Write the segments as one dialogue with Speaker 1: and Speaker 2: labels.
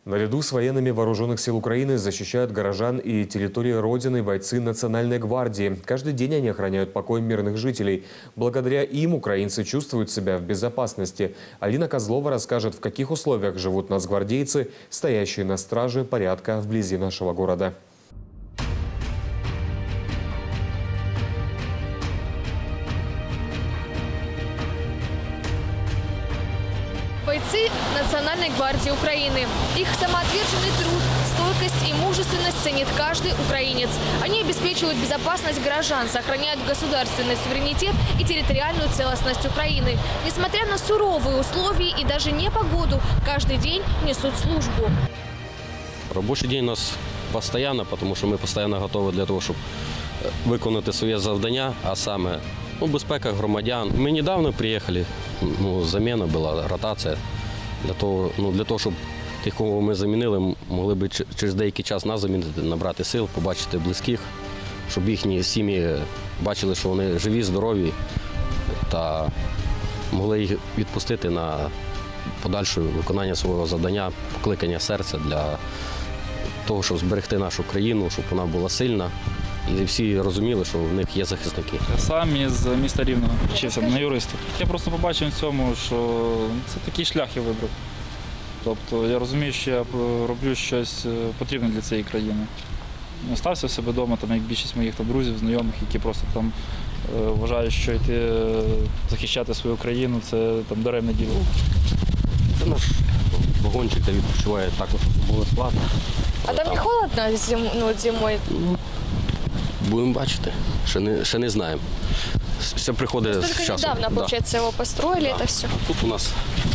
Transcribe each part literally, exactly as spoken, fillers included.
Speaker 1: Наряду с военными вооруженных сил Украины защищают горожан и территории Родины бойцы Национальной гвардии. Каждый день они охраняют покой мирных жителей. Благодаря им украинцы чувствуют себя в безопасности. Алина Козлова расскажет, в каких условиях живут нацгвардейцы, стоящие на страже порядка вблизи нашего города.
Speaker 2: Бойцы Национальной гвардии Украины. Их самоотверженный труд, стойкость и мужественность ценит каждый украинец. Они обеспечивают безопасность горожан, сохраняют государственный суверенитет и территориальную целостность Украины. Несмотря на суровые условия и даже непогоду, каждый день несут службу.
Speaker 3: Рабочий день у нас постоянно, потому що ми постійно готові для того, щоб виконати своє завдання, а саме ну, безпека громадян. Ми недавно приїхали, ну, заміна була, ротація, для того, ну, для того, щоб тих, кого ми замінили, могли б через деякий час нас замінити, набрати сил, побачити близьких, щоб їхні сім'ї бачили, що вони живі, здорові, та могли їх відпустити на подальше виконання свого завдання, покликання серця для того, щоб зберегти нашу країну, щоб вона була сильна. І всі розуміли, що в них є захисники.
Speaker 4: Я сам із міста Рівного вчився на юриста. Я просто побачив в цьому, що це такий шлях я вибрав. Тобто я розумію, що я роблю щось потрібне для цієї країни. Не остався в себе вдома, там, як більшість моїх там, друзів, знайомих, які просто там вважають, що йти захищати свою країну – це там, даремне діло.
Speaker 3: Це наш вагончик, де відпочиває також особовий склад.
Speaker 2: А там, там не холодно зим... ну, зимою?
Speaker 3: Будемо бачити, ще не, ще не знаємо. Все приходить з часом.
Speaker 2: Только недавно,
Speaker 3: да.
Speaker 2: получается, его построили, да. Это все.
Speaker 3: Тут у нас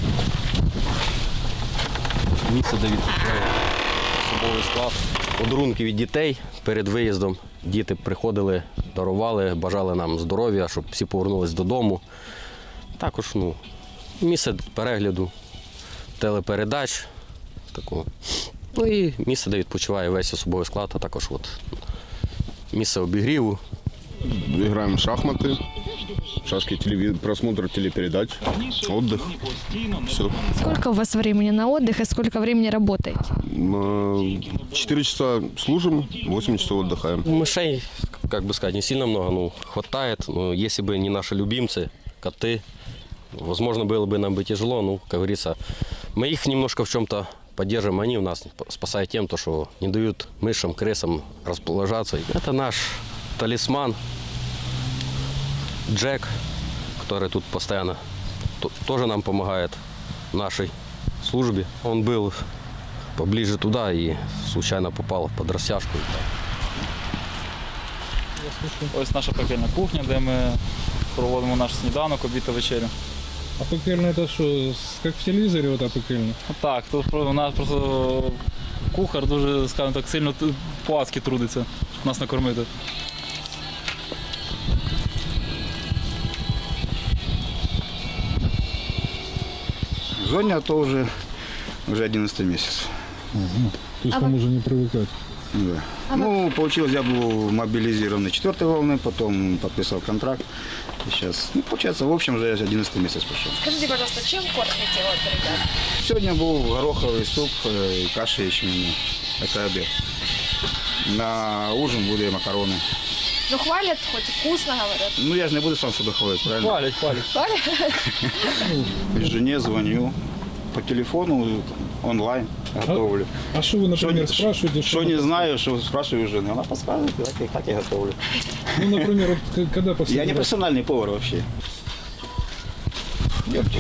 Speaker 3: місце, де відпочиває особовий склад. Подарунки від дітей перед виїздом. Діти приходили, дарували, бажали нам здоров'я, щоб всі повернулись додому. Також ну, місце перегляду телепередач. Такого. Ну і місце, де відпочиває весь особовий склад, а також от, місце обігріву.
Speaker 5: Играем в шахматы, шашки, телевиз... просмотр телепередач, отдых. Все.
Speaker 2: Сколько у вас времени на отдых и сколько времени работаете?
Speaker 5: Четыре часа служим, восемь часов отдыхаем.
Speaker 3: Мышей, как бы сказать, не сильно много, ну, хватает. Но если бы не наши любимцы, коты, возможно, было бы нам бы тяжело, ну, как говорится. Мы их немножко в чем-то поддерживаем, они у нас спасают тем, то, что не дают мышам, крысам расположаться. Это наш талисман Джек, который тут постоянно тоже нам помогает в нашей службе. Он был поближе туда и случайно попал под растяжку.
Speaker 4: Ось наша пекельна кухня, де ми проводимо наш сніданок, обід та вечерю.
Speaker 6: А пекельна це що, як в телевізорі ота пекельна?
Speaker 4: Так, тут у нас просто кухар дуже, скажімо так, сильно по-адськи трудиться, щоб нас накормити.
Speaker 7: В зоне АТО уже, уже одиннадцатый месяц.
Speaker 6: Угу. То есть а там вы... уже не привыкать?
Speaker 7: Да. А ну, получилось, я был мобилизирован четвертой волны, потом подписал контракт. И сейчас, ну, получается, в общем, уже одиннадцатый месяц пошел.
Speaker 2: Скажите, пожалуйста, чем кормите вот, ребят?
Speaker 7: Сегодня был гороховый суп и каша ячменная. Это обед. На ужин будут макароны.
Speaker 2: Ну, хвалят, хоть вкусно говорят.
Speaker 7: Ну, я же не буду сам себя хвалить, правильно?
Speaker 4: Хвалять, хвалять.
Speaker 7: Хвалят? Жене звоню по телефону, онлайн готовлю.
Speaker 6: А что вы, например,
Speaker 7: шо,
Speaker 6: спрашиваете?
Speaker 7: Что, что не знаю, что спрашиваю у жены. Она подсказывает, как я, как я готовлю.
Speaker 6: Ну, например, вот, когда последний
Speaker 7: Я не профессиональный повар вообще. Идемте.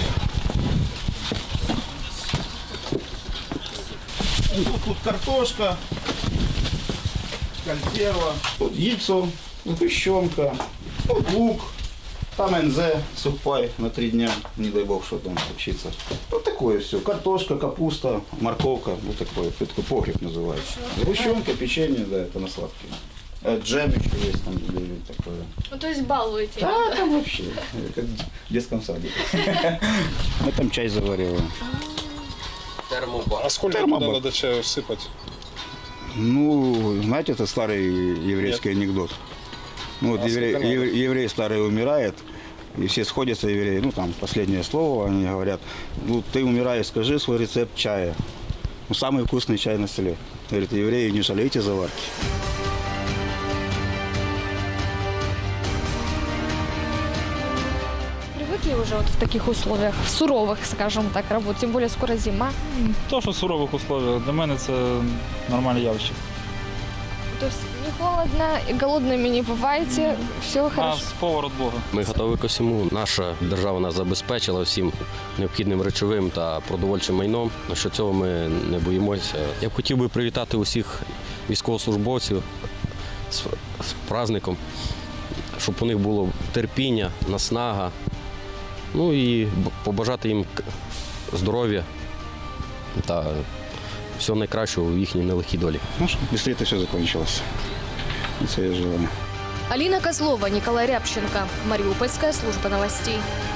Speaker 7: Тут, тут картошка, консерва, тут яйцо, сгущенка, тут лук, там эн зэ, сухпай на три дня, не дай бог, что там случится. Вот такое все, картошка, капуста, морковка, вот такое, это такой погреб называется. Сгущенка, печенье, да, это на сладкие. Джем еще есть там такое.
Speaker 2: Ну, то есть балуете?
Speaker 7: Да, там вообще, как в детском саде. Мы там чай завариваем.
Speaker 3: Термобар.
Speaker 6: А сколько
Speaker 7: Термобар.
Speaker 6: туда надо чаю сыпать?
Speaker 7: Ну, знаете, это старый еврейский Нет. анекдот. Ну, вот а еврей, еврей, еврей старый умирает, и все сходятся, евреи, ну, там, последнее слово, они говорят, ну, ты умираешь, скажи свой рецепт чая. Ну, самый вкусный чай на селе. Говорит, евреи, не жалейте заварки.
Speaker 2: Привыкли уже вот в таких условиях, в суровых, скажем так, работать, тем более скоро зима.
Speaker 4: То, що в сурових условиях, для мене це нормальне явище.
Speaker 2: То есть не холодно, и голодными не бываете, все
Speaker 4: А
Speaker 2: хорошо.
Speaker 4: з повар від Бога.
Speaker 3: Ми готові ко всьому. Наша держава нас забезпечила всім необхідним речовим та продовольчим майном. Що цього ми не боїмося. Я б хотів би привітати усіх військовослужбовців з, з праздником, щоб у них було терпіння, наснага. Ну і б- побажати їм к- здоров'я та всього найкращого в їхній нелегкій долі.
Speaker 7: Ну, чтобы быстрее это все закончилось. Это я желаю.
Speaker 2: Алина Козлова, Николай Рябченко. Мариупольская служба новостей.